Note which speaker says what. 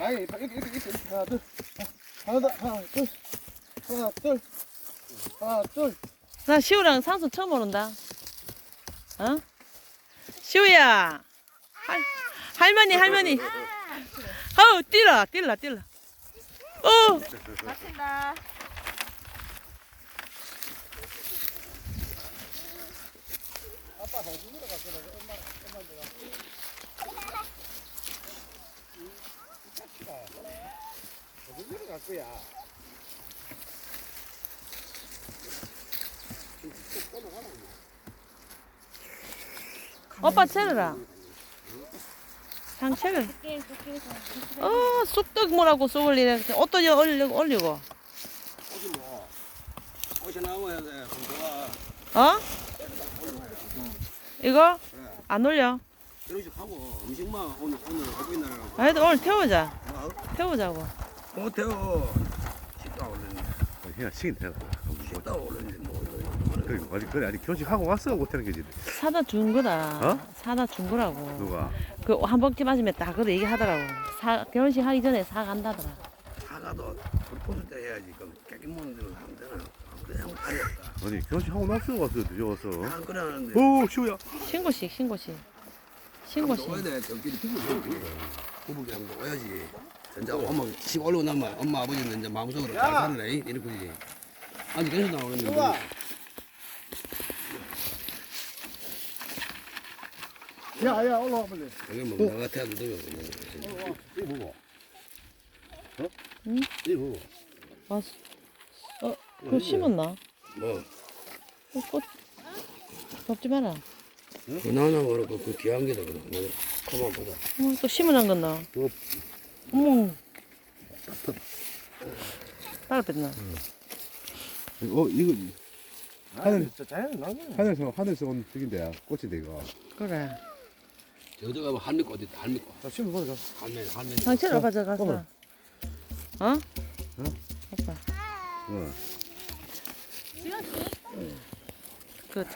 Speaker 1: 아니 이렇게 하나 둘 하나 둘 하나 둘 하나 둘 하나 둘.
Speaker 2: 나 시우랑 상수 처음 오른다. 어? 시우야. 할머니. 뛰라.
Speaker 3: 맞힌다.
Speaker 1: 아빠 호주머니 갔어. 엄마 호주머니 갈 거야.
Speaker 2: 오빠 채르라. 상체를. 쑥떡 뭐라고 쏘올리네. 옷도 올리고.
Speaker 4: 옷이 뭐 옷이 나와야 돼.
Speaker 2: 어? 이거? 안 올려.
Speaker 4: 이런 식 하고 음식만 오늘 하고 있나라고.
Speaker 2: 그래도 오늘 태우자고.
Speaker 4: 못해요. 식당 올렸네.
Speaker 5: 그냥 시긴 되나?
Speaker 4: 식당 올렸네.
Speaker 5: 그래 아니 교식하고 왔어 못하는 게지.
Speaker 2: 사다 준 거다.
Speaker 5: 어?
Speaker 2: 사다 준 거라고.
Speaker 5: 누가?
Speaker 2: 그 한 번쯤 맞으면 딱 그래 얘기하더라고. 결혼식 하기 전에 사 간다더라.
Speaker 4: 사가도 불포스 때 해야지. 그럼 깨끗 먹는 대로 하면 되나? 그냥 다녔다.
Speaker 5: 아니 교식하고 났어 왔어 늦어서.
Speaker 4: 안 그러는데.
Speaker 5: 오 시우야.
Speaker 2: 신고식.
Speaker 4: 넣어야 돼. 저끼리 피부 부부게 한번 넣어야지. 진짜 엄마 식 올라오고 나면 엄마 아버지는 이제 마음속으로 잘 사는 애 이렇게 그러지. 아직 괜찮다 그랬는데.
Speaker 1: 야야 올라와 빨리.
Speaker 4: 이게 뭐 나 같아도 되면
Speaker 5: 이거 먹어. 어?
Speaker 2: 응?
Speaker 5: 이거 먹어.
Speaker 2: 그거 심었나?
Speaker 4: 뭐
Speaker 2: 꽃 덮지 마라.
Speaker 4: 그 나나 그렇고 그 귀한 게다 그래. 뭐 가만 보자.
Speaker 2: 또 심으란 건나.
Speaker 5: 또.
Speaker 2: 어머. 따라 뺐나?
Speaker 5: 이거 하늘
Speaker 1: 진짜 자연 나네.
Speaker 5: 하늘에서 온 저긴데 꽃인데 이거.
Speaker 2: 그래.
Speaker 4: 저기 가면 할미꽃 어디 있다 할미꽃.
Speaker 1: 자 심어 보자.
Speaker 4: 할매.
Speaker 2: 상체로 가져갔어.
Speaker 5: 어머.
Speaker 2: 어?
Speaker 5: 어?
Speaker 2: 아빠.
Speaker 5: 어.